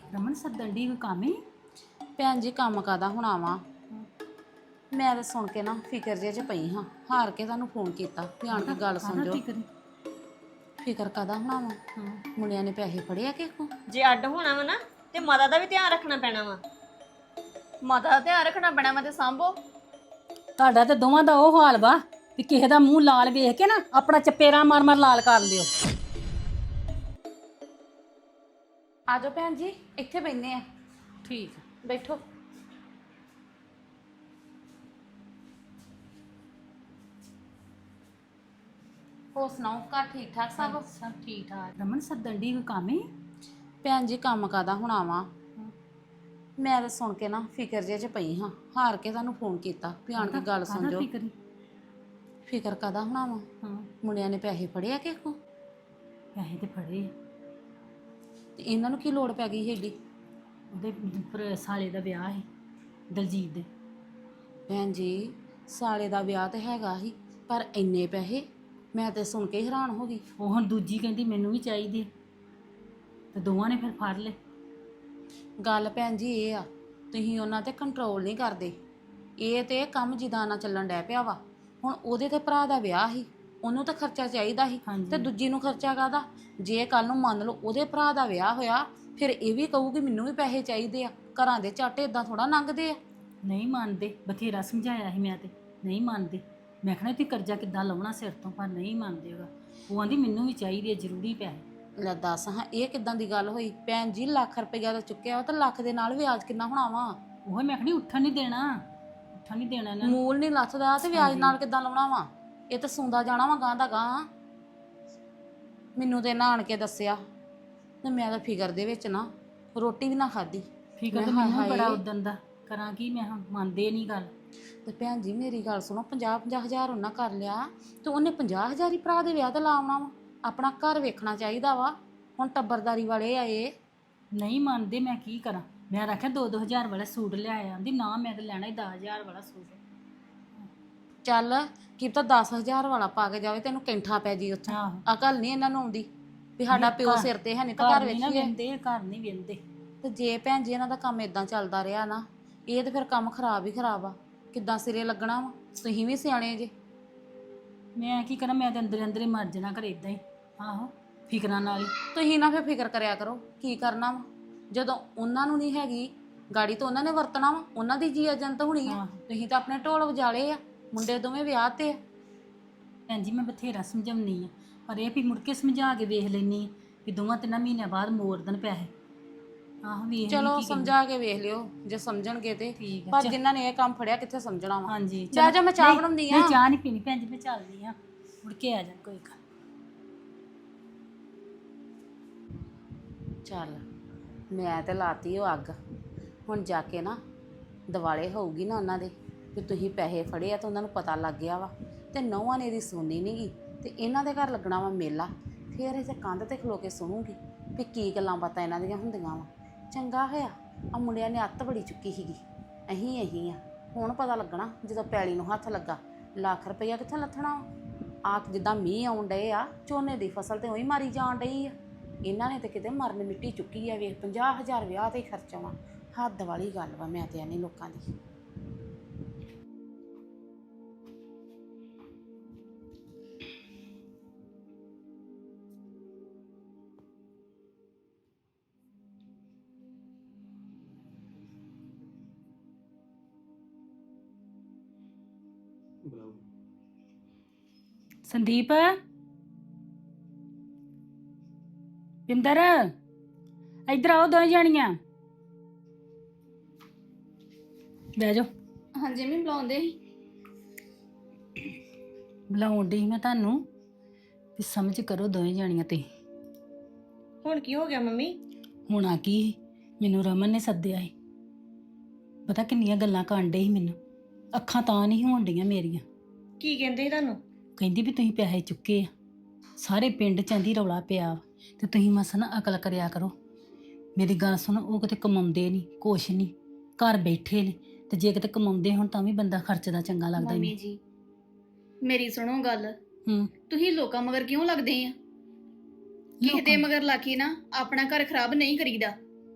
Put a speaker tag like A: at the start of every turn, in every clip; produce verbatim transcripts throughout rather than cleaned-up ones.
A: ਰਮਨ ਸੱਦਣ ਦੀ ਕੋਈ ਕੰਮ ਹੀ?
B: ਭੈਣ ਜੀ ਕੰਮ ਕਾਦਾ ਹੋਣਾ ਵਾ। ਮੈਂ ਤਾਂ ਸੁਣ ਕੇ ਨਾ ਫਿਕਰ ਜੇ ਚ ਪਈ ਹਾਂ, ਹਾਰ ਕੇ ਤੁਹਾਨੂੰ ਫੋਨ ਕੀਤਾ ਵੀ ਆਣ ਕੇ ਗੱਲ ਸੁਣ ਜੋ।
A: ਫਿਕਰ
B: ਫਿਕਰ ਕਾਦਾ ਹੋਣਾ ਵਾ?
A: ਹਾਂ
B: ਮੁੰਡਿਆਂ ਨੇ ਪੈਸੇ ਫੜੇ ਆ ਕਿਸੇ ਕੋ?
C: ਜੇ ਅੱਡ ਹੋਣਾ ਵਾ ਨਾ ਤੇ ਮਾਤਾ ਦਾ ਵੀ ਧਿਆਨ ਰੱਖਣਾ ਪੈਣਾ ਵਾ।
D: ਮਾਤਾ ਦਾ ਧਿਆਨ ਰੱਖਣਾ ਪੈਣਾ ਵਾ ਤੇ ਸਾਂਭੋ।
A: ਤੁਹਾਡਾ ਤੇ ਦੋਵਾਂ ਦਾ ਉਹ ਹਾਲ ਵਾ ਵੀ ਕਿਸੇ ਦਾ ਮੂੰਹ ਲਾਲ ਵੇਖ ਕੇ ਨਾ ਆਪਣਾ ਚਪੇਰਾ ਮਾਰ ਮਾਰ ਲਾਲ ਕਰ ਲਿਓ।
B: ਆ ਜਾਓ ਭੈਣ ਜੀ, ਇੱਥੇ ਬੈਠੇ ਆ।
A: ਠੀਕ
B: ਬੈਠੋ। ਹੋਰ ਸੁਣਾਓ, ਘਰ ਠੀਕ ਠਾਕ ਸਭ?
A: ਸਭ ਠੀਕ ਠਾਕ। ਰਮਨ ਸੱਦਣ ਦੀ ਕੋਈ ਕੰਮ ਹੀ?
B: ਭੈਣ ਜੀ ਕੰਮ ਕਾਦਾ ਹੋਣਾ ਵਾ। ਮੈਂ ਤਾਂ ਸੁਣ ਕੇ ਨਾ ਫਿਕਰ ਜੇ ਚ ਪਈ ਹਾਂ, ਹਾਰ ਕੇ ਤੁਹਾਨੂੰ ਫੋਨ ਕੀਤਾ ਵੀ ਆਣ ਕੇ ਗੱਲ ਸੁਣ ਜੋ।
A: ਫਿਕਰ
B: ਫਿਕਰ ਕਾਦਾ ਹੋਣਾ ਵਾ?
A: ਹਾਂ
B: ਮੁੰਡਿਆਂ ਨੇ ਪੈਸੇ ਫੜੇ ਆ ਕਿਸੇ ਕੋ?
A: ਪੈਸੇ ਤੇ ਫੜੇ ਆ।
B: ਤੇ ਇਹਨਾਂ ਨੂੰ ਕੀ ਲੋੜ ਪੈ ਗਈ ਏਡੀ?
A: ਉਹਦੇ ਭਰਾ ਸਾਲੇ ਦਾ ਵਿਆਹ ਸੀ ਦਲਜੀਤ ਦੇ।
B: ਭੈਣ ਜੀ ਸਾਲੇ ਦਾ ਵਿਆਹ ਤੇ ਹੈਗਾ ਹੀ, ਪਰ ਇੰਨੇ ਪੈਸੇ? ਮੈਂ ਤੇ ਸੁਣ ਕੇ ਹੈਰਾਨ ਹੋ ਗਈ।
A: ਉਹ ਹੁਣ ਦੂਜੀ ਕਹਿੰਦੀ ਮੈਨੂੰ ਵੀ ਚਾਹੀਦੀ ਤੇ ਦੋਵਾਂ ਨੇ ਫਿਰ ਫੜ ਲਏ।
B: ਗੱਲ ਭੈਣ ਜੀ ਇਹ ਆ, ਤੁਸੀਂ ਉਹਨਾਂ ਤੇ ਕੰਟਰੋਲ ਨਹੀਂ ਕਰਦੇ। ਇਹ ਤੇ ਕੰਮ ਜਿੱਦਾਂ ਨਾਲ ਚੱਲਣ ਡੈ ਪਿਆ ਵਾ। ਹੁਣ ਉਹਦੇ ਤੇ ਭਰਾ ਦਾ ਵਿਆਹ ਸੀ, ਉਹਨੂੰ ਤਾਂ ਖਰਚਾ ਚਾਹੀਦਾ ਸੀ, ਤੇ ਦੂਜੀ ਨੂੰ ਖਰਚਾ ਕਾਹਦਾ? ਜੇ ਕੱਲ ਨੂੰ ਮੰਨ ਲਓ ਉਹਦੇ ਭਰਾ ਦਾ ਵਿਆਹ ਹੋਇਆ, ਫਿਰ ਇਹ ਵੀ ਕਹੂਗੀ ਮੈਨੂੰ ਵੀ ਪੈਸੇ ਚਾਹੀਦੇ ਆ। ਘਰਾਂ ਦੇ ਝੱਟ ਇਦਾਂ ਥੋੜਾ ਲੰਘਦੇ ਆ।
A: ਨਹੀਂ ਮੰਨਦੇ, ਬਥੇਰਾ ਸਮਝਾਇਆ ਸੀ ਮੈਂ ਤੇ ਨਹੀਂ ਮੰਨਦੇ। ਮੈਂ ਕਹਿਣਾ ਤੁਸੀਂ ਕਰਜ਼ਾ ਕਿੱਦਾਂ ਲਾਉਣਾ ਸਿਰ ਤੋਂ, ਪਰ ਨਹੀਂ ਮੰਨਦੇਗਾ। ਉਹ ਆਂਦੀ ਮੈਨੂੰ ਵੀ ਚਾਹੀਦੇ ਆ ਜ਼ਰੂਰੀ ਪੈਸੇ।
B: ਲੈ ਦੱਸ ਹਾਂ, ਇਹ ਕਿੱਦਾਂ ਦੀ ਗੱਲ ਹੋਈ? ਭੈਣ ਜੀ ਲੱਖ ਰੁਪਈਆ ਦਾ ਚੁੱਕਿਆ ਵਾ, ਤਾਂ ਲੱਖ ਦੇ ਨਾਲ ਵਿਆਜ ਕਿੰਨਾ ਹੋਣਾ ਵਾ?
A: ਉਹ ਮੈਂ ਕਹਿਣੀ ਉੱਠਣ ਨਹੀਂ ਦੇਣਾ, ਉੱਠਣ ਨਹੀਂ ਦੇਣਾ ਇਹਨਾਂ ਨੂੰ।
B: ਮੂਲ ਨਹੀਂ ਲੱਥਦਾ ਤੇ ਵਿਆਜ ਨਾਲ ਕਿੱਦਾਂ ਲਾਉਣਾ ਵਾ? ਇਹ ਤਾਂ ਸੁੰਦਾ ਜਾਣਾ ਵਾ ਗਾਂ ਦਾ ਗਾਂ। ਮੈਨੂੰ ਤੇ ਇਹਨਾਂ ਆਣ ਕੇ ਦੱਸਿਆ ਤੇ ਮੈਂ ਤਾਂ ਫਿਕਰ ਦੇ ਵਿੱਚ ਨਾ ਰੋਟੀ ਵੀ ਨਾ ਖਾਧੀ।
A: ਫਿਕਰ ਤਾਂ ਮੈਨੂੰ ਬੜਾ ਉਦਣ ਦਾ, ਕਰਾਂ ਕੀ ਮੈਂ ਹੁਣ? ਮੰਨਦੇ ਨਹੀਂ ਗੱਲ।
B: ਤੇ ਭੈਣ ਜੀ ਮੇਰੀ ਗੱਲ ਸੁਣੋ, ਪੰਜਾਹ ਪੰਜਾਹ ਹਜ਼ਾਰ ਉਹਨਾਂ ਕਰ ਲਿਆ ਤੇ ਉਹਨੇ ਪੰਜਾਹ ਹਜ਼ਾਰ ਹੀ ਭਰਾ ਦੇ ਵਿਆਹ ਤੇ ਲਾਉਣਾ ਵਾ। ਆਪਣਾ ਘਰ ਵੇਖਣਾ ਚਾਹੀਦਾ ਵਾ। ਹੁਣ ਟੱਬਰਦਾਰੀ ਵਾਲੇ ਆਏ।
A: ਨਹੀਂ ਮੰਨਦੇ, ਮੈਂ ਕੀ ਕਰਾਂ? ਮੈਂ ਰੱਖਿਆ ਦੋ ਦੋ ਹਜ਼ਾਰ ਵਾਲਾ ਸੂਟ ਲਿਆਇਆ। ਆਂਦੀ ਨਾ ਮੈਂ ਤਾਂ ਲੈਣਾ ਹੀ ਦਸ ਹਜ਼ਾਰ ਵਾਲਾ ਸੂਟ।
B: ਚੱਲ ਕੀ ਪਤਾ ਦਸ ਹਜ਼ਾਰ ਵਾਲਾ ਪਾ ਕੇ ਜਾਵੇ, ਤੈਨੂੰ ਕੈਂਠਾ ਪੈ ਜੀ ਉੱਥੇ।
A: ਆਹੋ
B: ਅਕਲ ਨਹੀਂ ਇਹਨਾਂ ਨੂੰ ਆਉਂਦੀ ਵੀ ਸਾਡਾ ਪਿਓ ਸਿਰ ਤੇ ਹੈ ਨਹੀਂ ਤਾਂ ਘਰ
A: ਨਹੀਂ ਨਾ
B: ਵੇਖੀਏ।
A: ਵੇਂਦੇ, ਘਰ ਨਹੀਂ ਵੇਂਦੇ।
B: ਤੇ ਜੇ ਭੈਣ ਜੀ ਇਹਨਾਂ ਦਾ ਕੰਮ ਇਦਾਂ ਚੱਲਦਾ ਰਿਹਾ ਨਾ, ਇਹ ਤੇ ਫਿਰ ਕੰਮ ਖਰਾਬ ਹੀ ਖਰਾਬ ਆ। ਕਿੱਦਾਂ ਸਿਰੇ ਲੱਗਣਾ ਵਾ? ਤੁਸੀਂ ਵੀ ਸਿਆਣੇ ਜੇ।
A: ਮੈਂ ਕੀ ਕਰਾਂ? ਮੈਂ ਤਾਂ ਅੰਦਰੇ ਅੰਦਰੇ ਮਰ ਜਾਣਾ ਘਰੇ ਇਦਾਂ ਹੀ। ਆਹੋ ਫਿਕਰਾਂ ਨਾਲ ਹੀ।
B: ਤੁਸੀਂ ਨਾ ਫਿਰ ਫਿਕਰ ਕਰਿਆ ਕਰੋ। ਕੀ ਕਰਨਾ ਵਾ ਜਦੋਂ ਉਹਨਾਂ ਨੂੰ ਨਹੀਂ ਹੈਗੀ ਗਾੜੀ, ਤਾਂ ਉਹਨਾਂ ਨੇ ਵਰਤਣਾ ਵਾ। ਉਹਨਾਂ ਦੀ ਜੀ ਏਜੰਟ ਹੋਣੀ ਆ। ਤੁਸੀਂ ਤਾਂ ਆਪਣੇ ਢੋਲ ਵਜਾਲੇ ਆ। ਮੁੰਡੇ ਦੋਵੇਂ ਵਿਆਹ ਤੇ ਆ।
A: ਭੈਣ ਜੀ ਮੈਂ ਬਥੇਰਾ ਸਮਝਾਉਣੀ ਆ, ਪਰ ਇਹ ਵੀ ਮੁੜ ਕੇ ਸਮਝਾ ਕੇ ਵੇਖ ਲੈਣੀ ਵੀ ਦੋਵਾਂ ਤਿੰਨਾਂ ਮਹੀਨਿਆਂ ਬਾਅਦ ਮੋੜ ਦੇਣ ਪੈਸੇ। ਆਹੋ ਵੇਖ
B: ਚਲੋ ਸਮਝਾ ਕੇ ਵੇਖ ਲਿਓ ਜੇ ਸਮਝਣਗੇ ਤੇ।
A: ਠੀਕ ਆ।
B: ਪਰ ਜਿਨ੍ਹਾਂ ਨੇ ਇਹ ਕੰਮ ਫੜਿਆ ਕਿੱਥੇ ਸਮਝਣਾ ਵਾ?
A: ਹਾਂਜੀ
B: ਜਾ ਜਾ, ਮੈਂ ਚਾਹ ਬਣਾਉਂਦੀ ਆ।
A: ਨਹੀਂ ਚਾਹ ਨਹੀਂ ਪੀਣੀ ਭੈਣ ਜੀ, ਮੈਂ ਚੱਲਦੀ ਆ, ਮੁੜ ਕੇ ਆ ਜਾ ਕੋਈ ਗੱਲ।
B: ਚੱਲ ਮੈਂ ਤੇ ਲਾਤੀ ਉਹ ਅੱਗ। ਹੁਣ ਜਾ ਕੇ ਨਾ ਦਿਵਾਲੇ ਹੋਊਗੀ ਨਾ ਉਹਨਾਂ ਦੇ ਵੀ ਤੁਸੀਂ ਪੈਸੇ ਫੜੇ ਆ, ਤਾਂ ਉਹਨਾਂ ਨੂੰ ਪਤਾ ਲੱਗ ਗਿਆ ਵਾ। ਤੇ ਨੌਵਾਂ ਨੇ ਇਹਦੀ ਸੁਣਨੀ ਨਹੀਂ ਗੀ, ਤੇ ਇਹਨਾਂ ਦੇ ਘਰ ਲੱਗਣਾ ਵਾ ਮੇਲਾ। ਫਿਰ ਇਸੇ ਕੰਧ ਤੇ ਖਲੋ ਕੇ ਸੁਣੂਗੀ ਵੀ ਕੀ ਗੱਲਾਂ ਬਾਤਾਂ ਇਹਨਾਂ ਦੀਆਂ ਹੁੰਦੀਆਂ ਵਾ। ਚੰਗਾ ਹੋਇਆ ਆ ਮੁੰਡਿਆਂ ਨੇ ਅੱਤ ਬੜੀ ਚੁੱਕੀ ਸੀਗੀ। ਅਹੀਂ ਅਹੀਂ ਆ ਹੁਣ ਪਤਾ ਲੱਗਣਾ ਜਦੋਂ ਪੈਲੀ ਨੂੰ ਹੱਥ ਲੱਗਾ। ਲੱਖ ਰੁਪਈਆ ਕਿੱਥੇ ਲੱਥਣਾ ਆ? ਜਿੱਦਾਂ ਮੀਂਹ ਆਉਣ ਡਏ ਆ, ਝੋਨੇ ਦੀ ਫਸਲ ਤੇ ਉਹੀ ਮਾਰੀ ਜਾਣ ਡਈ ਆ। ਇਹਨਾਂ ਨੇ ਤੇ ਕਿਤੇ ਮਰਨ ਮਿੱਟੀ ਚੁੱਕੀ ਆ। ਵੇਖ ਪੰਜਾਹ ਹਜ਼ਾਰ ਵਿਆਹ ਤੇ ਹੀ ਖਰਚਾ ਵਾ। ਹੱਦ ਵਾਲੀ ਗੱਲ ਵਾ। ਮੈਂ ਤੇ ਨਹੀਂ ਲੋਕਾਂ ਦੀ।
A: ਸੰਦੀਪ, ਪਿੰਦਰ, ਇੱਧਰ ਆਓ ਦੋਵੇਂ ਜਾਣੀਆਂ। ਬਹਿ ਜਾਓ।
D: ਹਾਂਜੀ ਮੈਂ ਬੁਲਾਉਂਦੇ ਸੀ।
A: ਬੁਲਾਉਣ ਡਈ ਮੈਂ ਤੁਹਾਨੂੰ ਵੀ ਸਮਝ ਕਰੋ ਦੋਵੇਂ ਜਾਣੀਆਂ ਤੇ।
C: ਹੁਣ ਕੀ ਹੋ ਗਿਆ ਮੰਮੀ?
A: ਹੋਣਾ ਕੀ, ਮੈਨੂੰ ਰਮਨ ਨੇ ਸੱਦਿਆ ਸੀ। ਪਤਾ ਕਿੰਨੀਆਂ ਗੱਲਾਂ ਕਰਨ ਡਈ ਸੀ ਮੈਨੂੰ। ਅੱਖਾਂ ਤਾਂ ਨਹੀਂ ਹੋਣ ਡੀਆਂ ਮੇਰੀਆਂ।
C: ਕੀ ਕਹਿੰਦੇ ਸੀ ਤੁਹਾਨੂੰ?
A: ਕਹਿੰਦੀ ਵੀ ਤੁਸੀਂ ਪੈਸੇ ਚੁੱਕੇ ਆ, ਸਾਰੇ ਪਿੰਡ 'ਚ ਆਂਦੀ ਰੌਲਾ ਪਿਆ ਤੇ ਤੁਸੀਂ ਮਸਾਂ ਨਾ ਅਕਲ ਕਰਿਆ ਕਰੋ। ਮੇਰੀ ਗੱਲ ਸੁਣੋ, ਉਹ ਕਿਤੇ ਕਮਾਉਂਦੇ ਨਹੀਂ ਕੁਛ ਨਹੀਂ, ਘਰ ਬੈਠੇ ਨੇ। ਤੇ ਜੇ ਕਿਤੇ ਕਮਾਉਂਦੇ ਹੁਣ ਤਾਂ ਵੀ ਬੰਦਾ ਖਰਚਦਾ ਚੰਗਾ ਲੱਗਦਾ।
D: ਮੰਮੀ ਜੀ ਮੇਰੀ ਸੁਣੋ ਗੱਲ।
A: ਹੂੰ
D: ਤੁਸੀਂ ਲੋਕਾਂ ਮਗਰ ਕਿਉਂ ਲੱਗਦੇ ਆ? ਕਿਸੇ ਦੇ ਮਗਰ ਲਾ ਕੇ ਨਾ ਆਪਣਾ ਘਰ ਖਰਾਬ ਨਹੀਂ ਕਰੀਦਾ।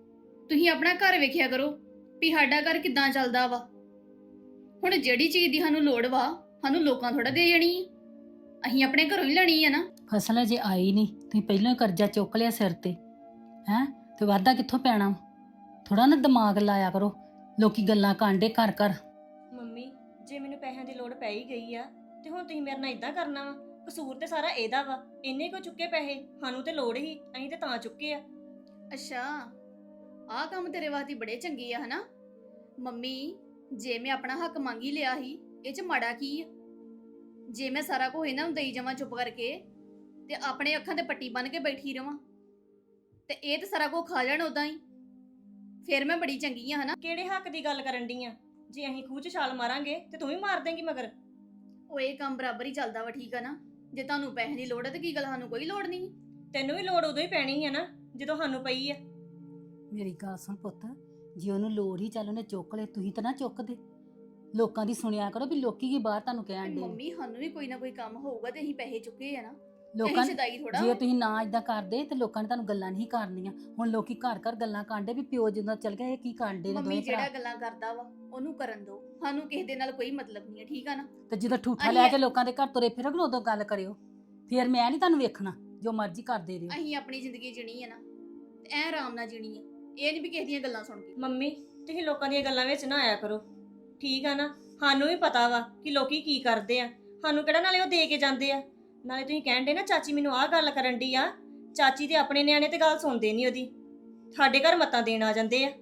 D: ਤੁਸੀਂ ਆਪਣਾ ਘਰ ਵੇਖਿਆ ਕਰੋ ਵੀ ਸਾਡਾ ਘਰ ਕਿੱਦਾਂ ਚੱਲਦਾ ਵਾ। ਹੁਣ ਜਿਹੜੀ ਚੀਜ਼ ਦੀ ਸਾਨੂੰ ਲੋੜ ਵਾ ਸਾਨੂੰ ਲੋਕਾਂ ਥੋੜਾ ਦੇ ਜਾਣੀ ਆ, ਅਸੀਂ ਆਪਣੇ ਘਰੋਂ ਹੀ ਲੈਣੀ ਆ ਨਾ।
A: ਫਸਲ ਅਜੇ ਆਈ ਨਹੀਂ, ਤੁਸੀਂ ਪਹਿਲਾਂ ਹੀ ਕਰਜ਼ਾ ਚੁੱਕ ਲਿਆ ਸਿਰ ਤੇ ਹੈ, ਤੇ ਵਾਧਾ ਕਿੱਥੋਂ ਪੈਣਾ? ਥੋੜਾ ਨਾ ਦਿਮਾਗ ਲਾਇਆ ਕਰੋ, ਲੋਕੀ ਗੱਲਾਂ ਕਾਂਡੇ ਘਰ ਘਰ।
C: ਮੰਮੀ ਜੇ ਮੈਨੂੰ ਪੈਸਿਆਂ ਦੀ ਲੋੜ ਪੈ ਹੀ ਗਈ ਆ ਤੇ ਹੁਣ ਤੁਸੀਂ ਮੇਰੇ ਨਾਲ ਇਦਾਂ ਕਰਨਾ ਵਾ? ਕਸੂਰ ਤੇ ਸਾਰਾ ਇਹਦਾ ਵਾ, ਇਹਨੇ ਕੋ ਚੁੱਕੇ ਪੈਸੇ, ਸਾਨੂੰ ਤੇ ਲੋੜ ਹੀ, ਅਸੀਂ ਤੇ ਤਾਂ ਚੁੱਕੇ ਆ।
D: ਅੱਛਾ, ਆਹ ਕੰਮ ਤੇਰੇ ਵਾਸਤੇ ਬੜੇ ਚੰਗੇ ਆ ਹਨਾ। ਮੰਮੀ ਜੇ ਮੈਂ ਆਪਣਾ ਹੱਕ ਮੰਗੀ ਲਿਆ ਸੀ, ਇਹ ਚ ਮਾੜਾ ਕੀ ਆ? ਜੇ ਮੈਂ ਸਾਰਾ ਕੁਝ ਇਹਨਾਂ ਨੂੰ ਦੇਈ ਜਾਵਾਂ ਚੁੱਪ ਕਰਕੇ ਤੇ ਆਪਣੇ ਅੱਖਾਂ ਤੇ ਪੱਟੀ ਬੰਨ ਕੇ ਬੈਠੀ ਰਵਾਂ ਤੇ ਇਹ ਤੇ ਸਾਰਾ ਕੁਝ ਖਾ ਜਾਣ ਉਦਾਂ ਹੀ, ਫਿਰ ਮੈਂ ਬੜੀ ਚੰਗੀ ਆ ਹਨਾ।
C: ਕਿਹੜੇ ਹੱਕ ਦੀ ਗੱਲ ਕਰਨ ਡਈ ਆ? ਜੇ ਅਸੀਂ ਖੂਹ 'ਚ ਛਾਲ ਮਾਰਾਂਗੇ ਤੇ ਤੂੰ ਵੀ ਮਾਰ ਦੇਂਗੀ ਮਗਰ।
D: ਉਹ ਇਹ ਕੰਮ ਬਰਾਬਰ ਹੀ ਚੱਲਦਾ ਵਾ, ਠੀਕ ਆ ਨਾ। ਜੇ ਤੁਹਾਨੂੰ ਪੈਸੇ ਦੀ ਲੋੜ ਹੈ ਤੇ ਕੀ ਗੱਲ, ਸਾਨੂੰ ਕੋਈ ਲੋੜ ਨਹੀਂ।
C: ਤੈਨੂੰ ਵੀ ਲੋੜ ਉਦੋਂ ਹੀ ਪੈਣੀ ਹੈ ਨਾ ਜਦੋਂ ਸਾਨੂੰ ਪਈ ਆ।
A: ਮੇਰੀ ਗੱਲ ਸੁਣ ਪੁੱਤ, ਜੇ ਉਹਨੂੰ ਲੋੜ ਹੀ ਚੱਲ ਉਹਨੇ ਚੁੱਕ ਲਏ, ਤੁਸੀਂ ਤਾਂ ਨਾ ਚੁੱਕਦੇ। ਲੋਕਾਂ ਦੀ ਸੁਣਿਆ ਕਰੋ ਵੀ ਲੋਕੀ ਕੀ ਬਾਹਰ ਤੁਹਾਨੂੰ ਕਹਿਣ ਦੇ।
D: ਮੰਮੀ ਸਾਨੂੰ ਵੀ ਕੋਈ ਨਾ ਕੋਈ ਕੰਮ ਹੋਊਗਾ ਤੇ ਅਸੀਂ ਪੈਸੇ ਚੁੱਕੇ ਆ ਨਾ।
A: ਲੋਕਾਂ
D: ਅਸੀਂ ਸਦਾਈ ਥੋੜਾ।
A: ਜੇ ਤੁਸੀਂ ਨਾ ਇਦਾਂ ਕਰਦੇ ਤੇ ਲੋਕਾਂ ਨੇ ਤੁਹਾਨੂੰ ਗੱਲਾਂ ਨਹੀਂ ਕਰਨੀਆਂ। ਹੁਣ ਲੋਕੀ ਘਰ ਘਰ ਗੱਲਾਂ ਕਾਂਡੇ ਵੀ ਪਿਓ ਜਦੋਂ ਚੱਲ ਗਿਆ ਇਹ ਕੀ ਕਾਂਡੇ ਨੇ
D: ਮੰਮੀ
A: ਦੋਵੇਂ
D: ਜਿਹੜਾ
A: ਭਰਾ।
D: ਗੱਲਾਂ ਕਰਦਾ ਵਾ ਉਹਨੂੰ ਕਰਨ ਦਿਓ, ਸਾਨੂੰ ਕਿਸੇ ਦੇ ਨਾਲ ਕੋਈ ਮਤਲਬ ਨਹੀਂ ਹੈ, ਠੀਕ ਆ ਨਾ।
A: ਤੇ ਜਦੋਂ ਠੂਠਾ
D: ਅਸੀਂ-
A: ਲੈ ਕੇ ਲੋਕਾਂ ਦੇ ਘਰ ਤੁਰੇ ਫਿਰੋਗੇ ਉਦੋਂ ਗੱਲ ਕਰਿਓ, ਫਿਰ ਮੈਂ ਨਹੀਂ ਤੁਹਾਨੂੰ ਵੇਖਣਾ, ਜੋ ਮਰਜ਼ੀ ਕਰਦੇ ਰਹੋ।
D: ਅਸੀਂ ਆਪਣੀ ਜ਼ਿੰਦਗੀ ਜੀਣੀ ਹੈ ਨਾ ਤੇ ਐ ਆਰਾਮ ਨਾਲ ਜੀਣੀ ਹੈ, ਇਹ ਨਹੀਂ ਵੀ ਕਿਸੇ ਦੀਆਂ ਗੱਲਾਂ ਸੁਣ ਕੇ।
C: ਮੰਮੀ ਤੁਸੀਂ ਲੋਕਾਂ ਦੀਆਂ ਗੱਲਾਂ ਵਿੱਚ ਨਾ ਆਇਆ ਕਰੋ, ਠੀਕ ਆ ਨਾ। ਸਾਨੂੰ ਵੀ ਪਤਾ ਵਾ ਕਿ ਲੋਕੀ ਕੀ ਕਰਦੇ ਆ, ਸਾਨੂੰ ਕਿਹੜਾ ਨਾਲੇ ਉਹ ਦੇ ਕੇ ਜਾਂਦੇ ਆ। ਨਾਲੇ ਤੁਸੀਂ ਕਹਿਣ ਦੇ ਨਾ ਚਾਚੀ ਮੈਨੂੰ ਆਹ ਗੱਲ ਕਰਨ ਡਈ ਆ, ਚਾਚੀ ਤੇ ਆਪਣੇ ਨਿਆਣੇ ਤੇ ਗੱਲ ਸੁਣਦੇ ਨਹੀਂ ਉਹਦੀ, ਸਾਡੇ ਘਰ ਮੱਤਾਂ ਦੇਣ ਆ ਜਾਂਦੇ ਆ।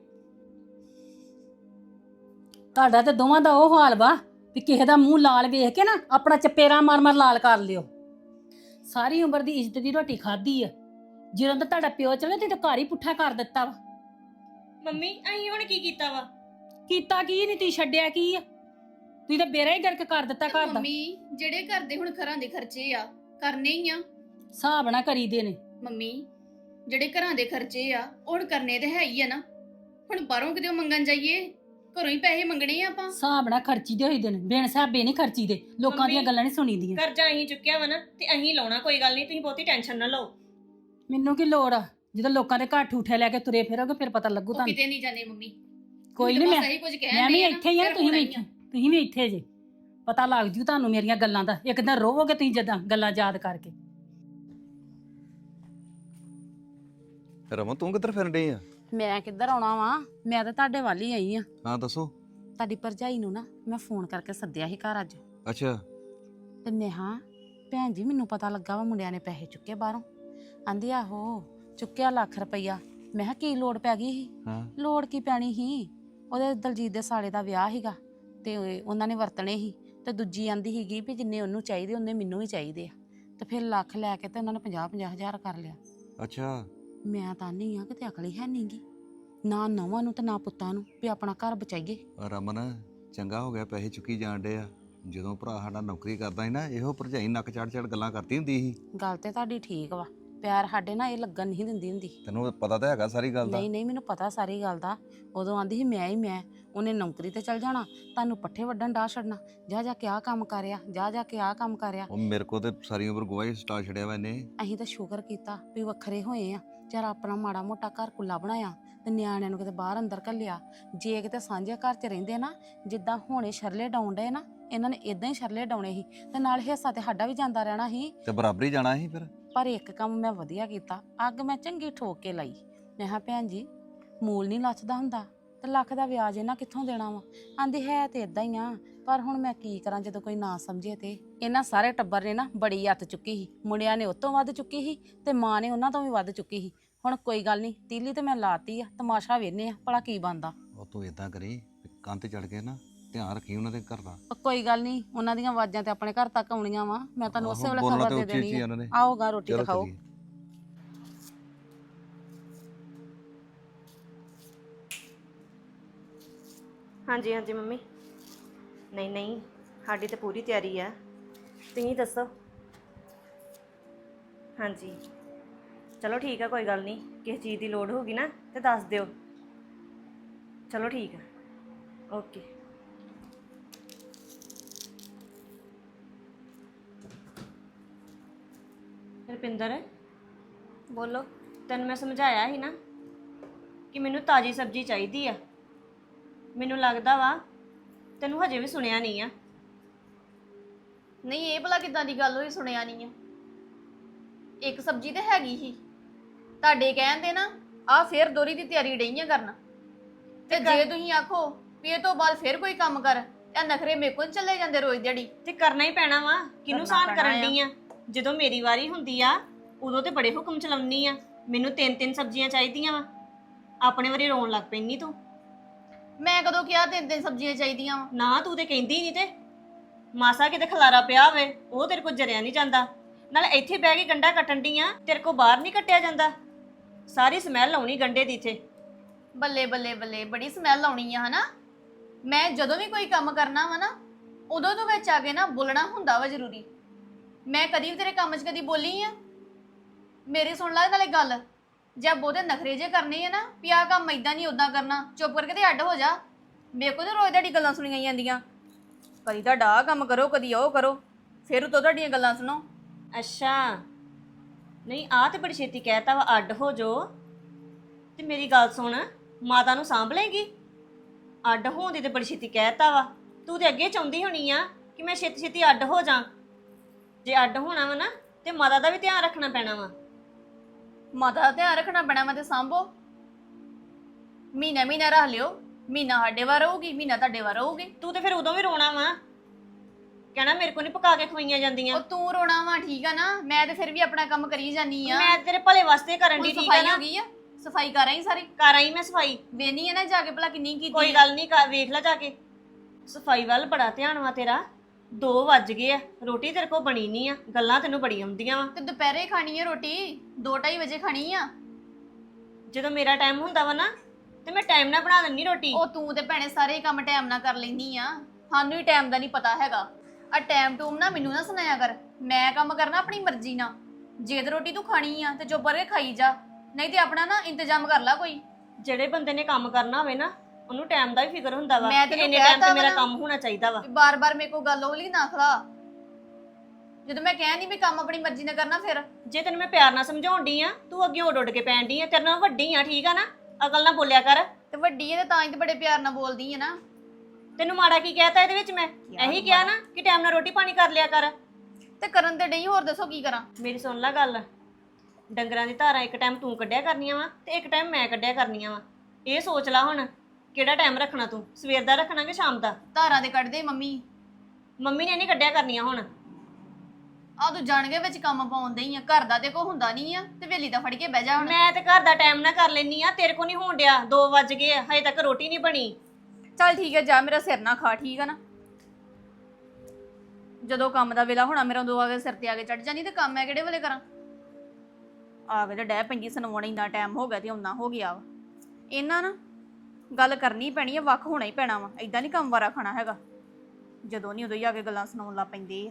A: ਤੁਹਾਡਾ ਤੇ ਦੋਵਾਂ ਦਾ ਉਹ ਹਾਲ ਵਾ ਵੀ ਕਿਸੇ ਦਾ ਮੂੰਹ ਲਾਲ ਵੇਖ ਕੇ ਨਾ ਆਪਣਾ ਚਪੇਰਾ ਮਾਰ ਮਾਰ ਲਾਲ ਕਰ ਲਿਓ। ਸਾਰੀ ਉਮਰ ਦੀ ਇੱਜ਼ਤ ਦੀ ਰੋਟੀ ਖਾਧੀ ਆ, ਜਦੋਂ ਦਾ ਤੁਹਾਡਾ ਪਿਓ ਚਲੇ ਤੇ ਘਰ ਹੀ ਪੁੱਠਾ ਕਰ ਦਿੱਤਾ ਵਾ।
C: ਮੰਮੀ ਅਸੀਂ ਹੁਣ ਕੀ ਕੀਤਾ ਵਾ?
A: ਕੀਤਾ ਕੀ ਨਹੀਂ, ਤੁਸੀਂ ਛੱਡਿਆ ਕੀ ਆ? ਤੁਸੀਂ ਤਾਂ ਬੇੜਾ ਹੀ ਗਰਕ ਕਰ ਦਿੱਤਾ
D: ਤੇ
A: ਘਰ ਦਾ।
D: ਮੰਮੀ ਜਿਹੜੇ ਘਰ ਦੇ ਹੁਣ ਘਰਾਂ ਦੇ ਖਰਚੇ ਆ ਕਰਨੇ ਹੀ ਆ।
A: ਹਿਸਾਬ ਨਾ ਕਰੀਦੇ ਨੇ।
D: ਮੰਮੀ ਜਿਹੜੇ ਘਰਾਂ ਦੇ ਖਰਚੇ ਆ ਉਹ ਹੁਣ ਕਰਨੇ ਤੇ ਹੈ ਹੀ ਆ ਨਾ। ਹੁਣ ਬਾਹਰੋਂ ਕਿਤੇ ਮੰਗਣ ਜਾਈਏ, ਘਰੋਂ ਹੀ ਪੈਸੇ ਮੰਗਣੇ ਆ ਆਪਾਂ।
A: ਹਿਸਾਬ ਨਾ ਖਰਚੀ ਦੇ ਹੋਈਦੇ ਨੇ, ਬਿਨ ਹਿਸਾਬੇ ਨਹੀਂ ਖਰਚੀਦੇ। ਲੋਕਾਂ ਦੀਆਂ
C: ਮੰਮੀ,
A: ਗੱਲਾਂ ਨਹੀਂ ਸੁਣੀਦੀਆਂ।
C: ਕਰਜ਼ਾ ਅਸੀਂ ਚੁੱਕਿਆ ਵਾ ਨਾ ਤੇ ਅਸੀਂ ਲਾਉਣਾ, ਕੋਈ ਗੱਲ ਨਹੀਂ, ਤੁਸੀਂ ਬਹੁਤੀ ਟੈਨਸ਼ਨ ਨਾ ਲਓ।
A: ਮੈਨੂੰ ਕੀ ਲੋੜ ਆ? ਜਦੋਂ ਲੋਕਾਂ ਦੇ ਘਰ ਠੂਠੇ ਲੈ ਕੇ ਤੁਰੇ ਫਿਰੋਗੇ ਫਿਰ ਪਤਾ ਲੱਗੂ
D: ਉਹ
A: ਤੁਹਾਨੂੰ।
D: ਕਿਤੇ ਨਹੀਂ ਜਾਂਦੇ ਮੰਮੀ।
A: ਕੋਈ
D: ਤੁਸੀਂ
A: ਨਹੀਂ,
D: ਤਾਂ
A: ਮੈਂ
D: ਬਸ ਇਹੀ ਕੁਝ ਕਹਿਣ
A: ਮੈਂ ਵੀ
D: ਡਏ ਆ ਨਾ,
A: ਇੱਥੇ ਹੀ ਆ,
D: ਫਿਰ
A: ਤੁਸੀਂ ਵੀ
D: ਹੋਣਾ ਹੀ
A: ਇੱਥੇ, ਤੁਸੀਂ ਵੀ ਇੱਥੇ ਜੇ। ਪਤਾ ਲੱਗ ਜੂ ਤੁਹਾਨੂੰ ਮੇਰੀਆਂ ਗੱਲਾਂ ਦਾ, ਇੱਕ ਦਿਨ ਰੋਵੋਗੇ ਤੁਸੀਂ ਜਦਾਂ ਗੱਲਾਂ ਯਾਦ ਕਰਕੇ।
E: ਰਮਨ ਤੂੰ ਕਿੱਧਰ ਫਿਰਨ ਡਈ ਆ?
B: ਮੈਂ ਕਿੱਧਰ ਆਉਣਾ ਵਾ, ਮੈਂ ਤਾਂ ਤੁਹਾਡੇ ਵੱਲ ਹੀ ਆਈ ਆ।
E: ਹਾਂ ਦੱਸੋ।
B: ਤੁਹਾਡੀ ਭਰਜਾਈ ਨੂੰ ਨਾ ਮੈਂ ਫੋਨ ਕਰਕੇ ਸੱਦਿਆ ਸੀ ਘਰ ਅੱਜ,
E: ਅੱਛਾ
B: ਤੇ ਮੈਂ ਹਾਂ ਭੈਣ ਜੀ ਮੈਨੂੰ ਪਤਾ ਲੱਗਾ ਵਾ ਮੁੰਡਿਆਂ ਨੇ ਪੈਸੇ ਚੁੱਕੇ ਬਾਹਰੋਂ। ਆਂਦੀ ਆਹੋ ਚੁੱਕਿਆ ਲੱਖ ਰੁਪਈਆ। ਮੈਂ ਕਿਹਾ ਕੀ ਲੋੜ ਪੈ ਗਈ ਸੀ?
E: ਹਾਂ
B: ਲੋੜ ਕੀ ਪੈਣੀ ਸੀ, ਉਹਦੇ ਦਲਜੀਤ ਦੇ ਸਾਲੇ ਦਾ ਵਿਆਹ ਸੀਗਾ ਤੇ ਉਹਨਾਂ ਨੇ ਵਰਤਣੇ ਸੀ, ਤੇ ਦੂਜੀ ਆਂਦੀ ਸੀਗੀ ਵੀ ਜਿੰਨੇ ਉਹਨੂੰ ਚਾਹੀਦੇ ਉਹਨੇ ਮੈਨੂੰ ਵੀ ਚਾਹੀਦੇ ਆ, ਤੇ ਫਿਰ ਲੱਖ ਲੈ ਕੇ ਤੇ ਉਹਨਾਂ ਨੇ ਪੰਜਾਹ ਪੰਜਾਹ ਹਜ਼ਾਰ ਕਰ ਲਿਆ।
E: ਅੱਛਾ
B: ਮੈਂ ਤਾਂ ਨਹੀਂ ਆ ਕਿਤੇ ਅਕਲ ਹੀ ਹੈ ਨਹੀਂਗੀ, ਨਾ ਨੌਵਾਂ ਨੂੰ ਤੇ ਨਾ ਪੁੱਤਾਂ ਨੂੰ ਵੀ ਆਪਣਾ ਘਰ ਬਚਾਈਏ।
E: ਰਮਨ ਚੰਗਾ ਹੋ ਗਿਆ ਪੈਸੇ ਚੁੱਕੀ ਜਾਣ ਡੇ ਆ। ਜਦੋਂ ਭਰਾ ਸਾਡਾ ਨੌਕਰੀ ਕਰਦਾ ਸੀ ਨਾ, ਇਹੋ ਭਰਜਾਈ ਨੱਕ ਚੜ ਚੜ ਗੱਲਾਂ ਕਰਦੀ ਹੁੰਦੀ ਸੀ।
B: ਗੱਲ ਤੇ ਤੁਹਾਡੀ ਠੀਕ ਵਾ, ਪਿਆਰ ਸਾਡੇ ਨਾਲ ਇਹ ਲੱਗਣ ਨਹੀਂ ਦਿੰਦੀ ਹੁੰਦੀ।
E: ਤੈਨੂੰ ਪਤਾ ਤਾਂ ਹੈਗਾ ਸਾਰੀ ਗੱਲ ਦਾ।
B: ਨਹੀਂ ਨਹੀਂ ਮੈਨੂੰ ਪਤਾ ਸਾਰੀ ਗੱਲ ਦਾ। ਉਦੋਂ ਆਂਦੀ ਸੀ ਮੈਂ ਹੀ ਮੈਂ, ਉਹਨੇ ਨੌਕਰੀ ਤੇ ਚਲ ਜਾਣਾ, ਤੁਹਾਨੂੰ ਪੱਠੇ ਵੱਢਣ ਡਾਹ ਛੱਡਣਾ, ਜਾ ਜਾ ਕੇ ਆਹ ਕੰਮ ਕਰਿਆ, ਜਾ ਜਾ ਕੇ ਆਹ ਕੰਮ ਕਰਿਆ।
E: ਉਹ ਮੇਰੇ ਕੋ ਤੇ ਸਾਰੀ ਉਮਰ ਗੋਹਾ ਹੀ ਸਟਾ ਛੜਿਆ ਵਾ ਇਹਨੇ।
B: ਅਸੀਂ ਤਾਂ ਸ਼ੁਕਰ ਕੀਤਾ ਵੀ ਵੱਖਰੇ ਹੋਏ ਆ, ਚਾਰ ਆਪਣਾ ਮਾੜਾ ਮੋਟਾ ਘਰ ਕੁੱਲਾ ਬਣਾਇਆ ਤੇ ਨਿਆਣਿਆਂ ਨੂੰ ਕਿਤੇ ਬਾਹਰ ਅੰਦਰ ਘੱਲਿਆ। ਜੇ ਕਿਤੇ ਸਾਂਝੇ ਘਰ 'ਚ ਰਹਿੰਦੇ ਨਾ, ਜਿੱਦਾਂ ਹੁਣੇ ਸ਼ਰਲੇ ਡਾਉਣ ਡਏ ਨਾ, ਇਹਨਾਂ ਨੇ ਇਦਾਂ ਹੀ ਸ਼ਰਲੇ ਡਾਉਣੇ ਸੀ, ਤੇ ਨਾਲ ਹਿੱਸਾ ਤੇ ਸਾਡਾ ਵੀ ਜਾਂਦਾ ਰਹਿਣਾ ਸੀ।
E: ਤੇ ਬਰਾਬਰੀ ਜਾਣਾ ਸੀ ਫਿਰ।
B: ਪਰ ਇੱਕ ਕੰਮ ਮੈਂ ਵਧੀਆ ਕੀਤਾ, ਅੱਗ ਮੈਂ ਚੰਗੀ ਠੋਕ ਕੇ ਲਾਈ। ਮੈਂ ਕਿਹਾ ਭੈਣ ਜੀ ਮੂਲ ਨਹੀਂ ਲੱਥਦਾ ਹੁੰਦਾ, ਤੇ ਲੱਖ ਦਾ ਵਿਆਜ ਇਹਨਾਂ ਕਿੱਥੋਂ ਦੇਣਾ ਵਾ? ਆਂਦੀ ਹੈ ਤੇ ਇਦਾਂ ਹੀ ਆ, ਪਰ ਹੁਣ ਮੈਂ ਕੀ ਕਰਾਂ ਜਦੋਂ ਕੋਈ ਨਾ ਸਮਝੇ। ਤੇ ਇਹਨਾਂ ਸਾਰੇ ਟੱਬਰ ਨੇ ਨਾ ਬੜੀ ਅੱਤ ਚੁੱਕੀ ਸੀ, ਮੁੰਡਿਆਂ ਨੇ ਉਹ ਤੋਂ ਵੱਧ ਚੁੱਕੀ ਸੀ ਤੇ ਮਾਂ ਨੇ ਉਹਨਾਂ ਤੋਂ ਵੀ ਵੱਧ ਚੁੱਕੀ ਸੀ। ਹੁਣ ਕੋਈ ਗੱਲ ਨਹੀਂ, ਤੀਲੀ ਤੇ ਮੈਂ ਲਾਤੀ ਆ, ਤਮਾਸ਼ਾ ਵੇਖਨੇ ਆ ਭਲਾ ਕੀ ਬਣਦਾ।
E: ਉਹ ਤੂੰ ਇਦਾਂ ਕਰੀ, ਕੰਨ ਤੇ ਚੜ ਕੇ ਨਾ ਧਿਆਨ ਰੱਖੀ ਉਹਨਾਂ ਦੇ ਘਰ ਦਾ।
B: ਉਹ ਕੋਈ ਗੱਲ ਨਹੀਂ, ਉਹਨਾਂ ਦੀਆਂ ਆਵਾਜ਼ਾਂ ਤੇ ਆਪਣੇ ਘਰ ਤੱਕ ਆਉਣੀਆਂ ਵਾ, ਮੈਂ ਤੁਹਾਨੂੰ ਉਸੇ ਵੇਲੇ
E: ਬੋਲਣਾ
B: ਖਬਰ
E: ਤੇ
B: ਦੇ
E: ਉੱਚੀ ਉੱਚੀ
B: ਦੇਣੀ
E: ਉਹਨਾਂ ਨੇ।
B: ਆ। ਆਓਗਾ ਰੋਟੀ
E: ਚਲੋ
B: ਦਿਖਾਓ।
E: ਚੱਲੀਏ।
C: ਹਾਂਜੀ ਹਾਂਜੀ ਮੰਮੀ, ਨਹੀਂ ਨਹੀਂ ਸਾਡੀ ਤਾਂ ਪੂਰੀ ਤਿਆਰੀ ਆ, ਤੁਸੀਂ ਦੱਸੋ। ਹਾਂਜੀ ਚਲੋ ਠੀਕ ਆ, ਕੋਈ ਗੱਲ ਨਹੀਂ, ਕਿਸੇ ਚੀਜ਼ ਦੀ ਲੋੜ ਹੋਗੀ ਨਾ ਤੇ ਦੱਸ ਦਿਓ। ਚਲੋ ਠੀਕ ਆ, ਓਕੇ। ਰੁਪਿੰਦਰ
D: ਬੋਲੋ।
C: ਤੈਨੂੰ ਮੈਂ ਸਮਝਾਇਆ ਸੀ ਨਾ ਕਿ ਮੈਨੂੰ ਤਾਜ਼ੀ ਸਬਜ਼ੀ ਚਾਹੀਦੀ ਆ। ਮੈਨੂੰ ਲੱਗਦਾ ਵਾ ਤੈਨੂੰ ਹਜੇ ਵੀ ਸੁਣਿਆ ਨਹੀਂ ਆ।
D: ਨਹੀਂ, ਇਹ ਭਲਾ ਕਿਦਾਂ ਦੀ ਗੱਲ ਹੋਈ, ਸੁਣਿਆ ਨਹੀਂ ਆ? ਇੱਕ ਸਬਜ਼ੀ ਤੇ ਹੈਗੀ ਹੀ, ਤੁਹਾਡੇ ਕਹਿੰਦੇ ਨਾ ਆ ਫੇਰ ਦੋਰੀ ਦੀ ਤਿਆਰੀ ਡਈਆਂ ਕਰਨ। ਤੇ ਜੇ ਤੁਸੀਂ ਆਖੋ ਵੀ ਇਹ ਤੋਂ ਬਾਅਦ ਫੇਰ ਕੋਈ ਕੰਮ ਕਰ, ਇਹ ਨਖਰੇ ਮੇਰੇ ਕੋਲ ਚੱਲੇ ਜਾਂਦੇ ਰੋਜ਼ ਦਿਹਾੜੀ।
C: ਤੇ ਕਰਨਾ ਹੀ ਪੈਣਾ ਵਾ। ਕਿਹਨੂੰ
D: ਕਰਨਾ
C: ਸਾਨ ਕਰਨ
D: ਪੈਣਾ
C: ਡਈ ਆ? ਜਦੋਂ ਮੇਰੀ ਵਾਰੀ ਹੁੰਦੀ ਆ ਉਦੋਂ ਤੇ ਬੜੇ ਹੁਕਮ ਚਲਾਉਣੀ ਆ, ਮੈਨੂੰ ਤਿੰਨ ਤਿੰਨ ਸਬਜ਼ੀਆਂ ਚਾਹੀਦੀਆਂ ਵਾ। ਆਪਣੇ ਵਾਰੀ ਰੋਣ ਲੱਗ ਪੈਂਦੀ ਤੂੰ।
D: ਮੈਂ ਕਦੋਂ ਕਿਹਾ ਤਿੰਨ ਤਿੰਨ ਸਬਜ਼ੀਆਂ ਚਾਹੀਦੀਆਂ ਵਾ?
C: ਨਾ ਤੂੰ ਤੇ ਕਹਿੰਦੀ ਨਹੀਂ। ਤੇ ਮਾਸਾ ਕਿਤੇ ਖਲਾਰਾ ਪਿਆ ਹੋਵੇ ਉਹ ਤੇਰੇ ਕੋਲ ਜਰਿਆ ਨਹੀਂ ਜਾਂਦਾ। ਨਾਲ ਇੱਥੇ ਬਹਿ ਕੇ ਗੰਡਾ ਕੱਟਣ ਦੀ ਆ, ਤੇਰੇ ਕੋਲ ਬਾਹਰ ਨਹੀਂ ਕੱਟਿਆ ਜਾਂਦਾ। ਸਾਰੀ ਸਮੈਲ ਆਉਣੀ ਗੰਡੇ ਦੀ ਇੱਥੇ।
D: ਬੱਲੇ ਬੱਲੇ ਬੱਲੇ, ਬੜੀ ਸਮੈਲ ਆਉਣੀ ਆ ਹਨਾ। ਮੈਂ ਜਦੋਂ ਵੀ ਕੋਈ ਕੰਮ ਕਰਨਾ ਵਾ ਨਾ, ਉਦੋਂ ਤੋਂ ਵਿੱਚ ਆ ਕੇ ਨਾ ਬੋਲਣਾ ਹੁੰਦਾ ਵਾ ਜ਼ਰੂਰੀ। ਮੈਂ ਕਦੀ ਵੀ ਤੇਰੇ ਕੰਮ 'ਚ ਕਦੀ ਬੋਲੀ ਆ? ਮੇਰੀ ਸੁਣ ਲੈ ਨਾਲੇ ਗੱਲ, ਜੇ ਬਹੁਤੇ ਨਖਰੇ ਜੇ ਕਰਨੇ ਆ ਨਾ ਵੀ ਆਹ ਕੰਮ ਇਦਾਂ ਨਹੀਂ ਉਦਾਂ ਕਰਨਾ, ਚੁੱਪ ਕਰਕੇ ਤੇ ਅੱਡ ਹੋ ਜਾ। ਮੇਰੇ ਕੋਲ ਤਾਂ ਰੋਜ਼ ਤੁਹਾਡੀ ਗੱਲਾਂ ਸੁਣੀਆਂ ਜਾਂਦੀਆਂ, ਕਦੀ ਤੁਹਾਡਾ ਆਹ ਕੰਮ ਕਰੋ, ਕਦੀ ਉਹ ਕਰੋ, ਫਿਰ ਉਤੋਂ ਤੁਹਾਡੀਆਂ ਗੱਲਾਂ ਸੁਣੋ।
C: ਅੱਛਾ, ਨਹੀਂ ਆ ਤੇ ਬੜੀ ਛੇਤੀ ਕਹਿਤਾ ਵਾ ਅੱਡ ਹੋ ਜੋ। ਤੇ ਮੇਰੀ ਗੱਲ ਸੁਣ, ਮਾਤਾ ਨੂੰ ਸਾਂਭ ਲਏਗੀ? ਅੱਡ ਹੋਣ ਦੀ ਤੇ ਬੜੀ ਛੇਤੀ ਕਹਿਤਾ ਵਾ। ਤੂੰ ਤੇ ਅੱਗੇ ਚਾਹੁੰਦੀ ਹੋਣੀ ਆ ਕਿ ਮੈਂ ਛੇਤੀ ਛੇਤੀ ਅੱਡ ਹੋ ਜਾ। ਜੇ ਅੱਡ ਹੋਣਾ ਵਾ ਨਾ ਤੇ ਮਾਤਾ ਦਾ ਵੀ ਧਿਆਨ ਰੱਖਣਾ ਪੈਣਾ ਵਾ।
D: ਮਾਤਾ ਦਾ ਧਿਆਨ ਰੱਖਣਾ ਪੈਣਾ ਵਾ ਤੇ ਸਾਂਭੋ। ਮਹੀਨਾ ਮਹੀਨਾ ਰੱਖ ਲਿਓ, ਮਹੀਨਾ ਸਾਡੇ ਵਾਰ ਰਹੂਗੀ, ਮਹੀਨਾ ਤੁਹਾਡੇ ਵਾਰ ਰਹੂਗੀ।
C: ਤੂੰ ਤੇ ਫਿਰ ਉਦੋਂ ਵੀ ਰੋਣਾ ਵਾ, ਕਹਿਣਾ ਮੇਰੇ ਕੋਲ ਨਹੀਂ ਪਕਾ ਕੇ ਖਵਾਈਆਂ ਜਾਂਦੀਆਂ।
D: ਉਹ ਤੂੰ ਰੋਣਾ ਵਾ, ਠੀਕ ਆ ਨਾ? ਮੈਂ ਤੇ ਫਿਰ ਵੀ ਆਪਣਾ ਕੰਮ ਕਰੀ ਜਾਨੀ ਆ।
C: ਮੈਂ ਤੇਰੇ ਭਲੇ ਵਾਸਤੇ ਕਰਨ
D: ਹੁਣ
C: ਦੀ, ਠੀਕ ਆ
D: ਸਫਾਈ
C: ਨਾ?
D: ਹੋ ਗਈ ਆ, ਸਫਾਈ ਕਰ ਆਈ ਸਾਰੀ।
C: ਕਰ ਆਈ ਮੈਂ ਸਫਾਈ।
D: ਵੇਨੀ ਆ ਨਾ ਜਾ ਕੇ ਭਲਾ ਕਿੰਨੀ ਕੀਤੀ
C: ਕੋਈ
D: ਆ।
C: ਗੱਲ ਨਹੀਂ, ਵੇਖ ਲੈ ਜਾ ਕੇ। ਸਫਾਈ ਵੱਲ ਬੜਾ ਧਿਆਨ ਵਾ ਤੇਰਾ। ਦੋ ਵੱਜ ਗਏ ਆ, ਰੋਟੀ ਤੇਰੇ ਕੋਲ ਬਣੀ ਨਹੀਂ ਆ, ਗੱਲਾਂ ਤੈਨੂੰ ਬੜੀਆਂ ਆਉਂਦੀਆਂ ਵਾ।
D: ਤੇ ਦੁਪਹਿਰੇ ਖਾਣੀ ਆ ਰੋਟੀ, ਦੋ ਢਾਈ ਵਜੇ ਖਾਣੀ ਆ।
C: ਜਦੋਂ ਮੇਰਾ ਟਾਈਮ ਹੁੰਦਾ ਵਾ ਨਾ ਤੇ ਮੈਂ ਟਾਈਮ ਨਾਲ ਬਣਾ ਦਿੰਦੀ ਰੋਟੀ।
D: ਉਹ ਤੂੰ ਤੇ ਭੈਣੇ ਸਾਰੇ ਕੰਮ ਟਾਈਮ ਨਾਲ ਕਰ ਲੈਂਦੀ ਆ, ਸਾਨੂੰ ਹੀ ਟਾਈਮ ਦਾ ਨਹੀਂ ਪਤਾ ਹੈਗਾ। ਆ ਟਾਈਮ ਟੂਮ ਨਾ ਮੈਨੂੰ ਨਾ ਸੁਣਾਇਆ ਕਰ, ਮੈਂ ਕੰਮ ਕਰਨਾ ਆਪਣੀ ਮਰਜ਼ੀ ਨਾਲ। ਜੇ ਤੇ ਰੋਟੀ ਤੂੰ ਖਾਣੀ ਆ ਤੇ ਚੁੱਪ ਕਰਕੇ ਖਾਈ ਜਾ, ਨਹੀਂ ਤੇ ਆਪਣਾ ਨਾ ਇੰਤਜ਼ਾਮ ਕਰ ਲੈ ਕੋਈ।
C: ਜਿਹੜੇ ਬੰਦੇ ਨੇ ਕੰਮ ਕਰਨਾ ਹੋਵੇ ਨਾ ਉਹਨੂੰ ਟਾਈਮ ਦਾ ਵੀ ਫਿਕਰ ਹੁੰਦਾ ਵਾ
D: ਮੈਂ
C: ਕਿ
D: ਤੈਨੂੰ
C: ਇੰਨੇ ਟਾਈਮ
D: ਕਹਿਤਾ
C: ਤੇ
D: ਵਾ
C: ਮੇਰਾ
D: ਨਾ।
C: ਕੰਮ ਹੋਣਾ ਚਾਹੀਦਾ ਵਾ।
D: ਬਾਰ ਬਾਰ ਮੇਰੇ ਕੋਲ ਗੱਲ ਹੋਲੀ ਨਾ ਖਲਾ। ਜਦੋਂ ਮੈਂ ਕਹਿ ਨਹੀਂ ਵੀ ਕੰਮ ਆਪਣੀ ਮਰਜ਼ੀ ਨਾਲ ਕਰਨਾ, ਫਿਰ
C: ਜੇ ਤੈਨੂੰ ਮੈਂ ਪਿਆਰ ਨਾਲ ਸਮਝਾਉਣ ਡਈ ਆ, ਤੂੰ ਅੱਗੇ ਉੱਡ ਉੱਡ ਕੇ ਪੈਣ ਡਈ ਆ। ਤੇਰੇ ਨਾਲ ਵੱਡੀ ਆ, ਠੀਕ ਆ ਨਾ? ਅਕਲ ਨਾਲ ਬੋਲਿਆ ਕਰ।
D: ਤੇ ਵੱਡੀ ਹੈ ਤੇ ਤਾਂ ਹੀ ਤੇ ਬੜੇ ਪਿਆਰ ਨਾਲ ਬੋਲਦੀ ਹੈ ਨਾ।
C: ਤੈਨੂੰ ਮਾੜਾ ਕੀ ਕਹਿਤਾ ਇਹਦੇ ਵਿੱਚ? ਮੈਂ ਇਹੀ ਕਿਹਾ ਨਾ ਕਿ ਟਾਈਮ ਨਾਲ ਰੋਟੀ ਪਾਣੀ ਕਰ ਲਿਆ ਕਰ।
D: ਤੇ ਕਰਨ ਤੇ ਡਈ, ਹੋਰ ਦੱਸੋ ਕੀ ਕਰਾਂ?
C: ਮੇਰੀ ਸੁਣ ਲੈ ਗੱਲ, ਡੰਗਰਾਂ ਦੀ ਧਾਰਾਂ ਇੱਕ ਟਾਈਮ ਤੂੰ ਕੱਢਿਆ ਕਰਨੀਆਂ ਵਾ ਤੇ ਇੱਕ ਟਾਈਮ ਮੈਂ ਕੱਢਿਆ ਕਰਨੀਆਂ ਵਾ। ਇਹ ਸੋਚ ਲੈ ਹੁਣ ਕਿਹੜਾ ਟਾਈਮ ਰੱਖਣਾ ਤੂੰ, ਸਵੇਰ ਦਾ ਰੱਖਣਾ ਕਿ ਸ਼ਾਮ ਦਾ?
D: ਧਾਰਾਂ ਦੇ ਕੱਢਦੇ ਮੰਮੀ।
C: ਮੰਮੀ ਨੇ ਨਹੀਂ ਕੱਢਿਆ ਕਰਨੀਆਂ ਹੁਣ।
D: ਆ ਤੂੰ ਜਾਣ ਕੇ ਵਿੱਚ ਕੰਮ ਪਾਉਂਦੇ ਹੀ ਆ, ਘਰ ਦਾ ਤੇ ਕੋ ਹੁੰਦਾ ਨਹੀਂ ਆ, ਤੇ ਵੇਲੀ ਦਾ ਫੜ ਕੇ ਬਹਿ ਜਾ ਹੁਣ।
C: ਮੈਂ ਤੇ ਘਰ ਦਾ ਟਾਈਮ ਨਾ ਕਰ ਲੈਣੀ ਆ, ਤੇਰੇ ਕੋ ਨਹੀਂ ਹੋਣ ਡਿਆ। ਦੋ ਵੱਜ ਗਏ ਆ, ਹਜੇ ਤੱਕ ਰੋਟੀ ਨਹੀਂ ਬਣੀ।
D: ਚੱਲ ਠੀਕ ਹੈ, ਜਾ ਮੇਰਾ ਸਿਰ ਨਾ ਖਾ, ਠੀਕ ਆ ਨਾ? ਜਦੋਂ ਕੰਮ ਦਾ ਵੇਲਾ ਹੋਣਾ ਮੇਰਾ ਉਦੋਂ ਆ ਕੇ ਸਿਰ ਤੇ ਆ ਕੇ ਚੜ ਜਾਣੀ, ਤੇ ਕੰਮ ਮੈਂ ਕਿਹੜੇ ਵੇਲੇ ਕਰਾਂ? ਆ ਕੇ ਤੇ ਡਹਿ ਪੈਂਦੀ ਸੁਣਾਉਣ, ਇੰਨਾ ਟਾਈਮ ਹੋ ਗਿਆ ਤੇ ਆਉਣਾ ਹੋ ਗਿਆ ਵਾ। ਇਹਨਾਂ ਨਾ ਗੱਲ ਕਰਨੀ ਪੈਣੀ ਆ, ਵੱਖ ਹੋਣਾ ਹੀ ਪੈਣਾ ਵਾ। ਏਦਾਂ ਨਹੀਂ ਕੰਮ ਵਾਰਾ ਖਾਣਾ ਹੈਗਾ, ਜਦੋਂ ਨਹੀਂ ਉਦੋਂ ਹੀ ਆ ਕੇ ਗੱਲਾਂ ਸੁਣਾਉਣ ਲੱਗ ਪੈਂਦੇ ਆ।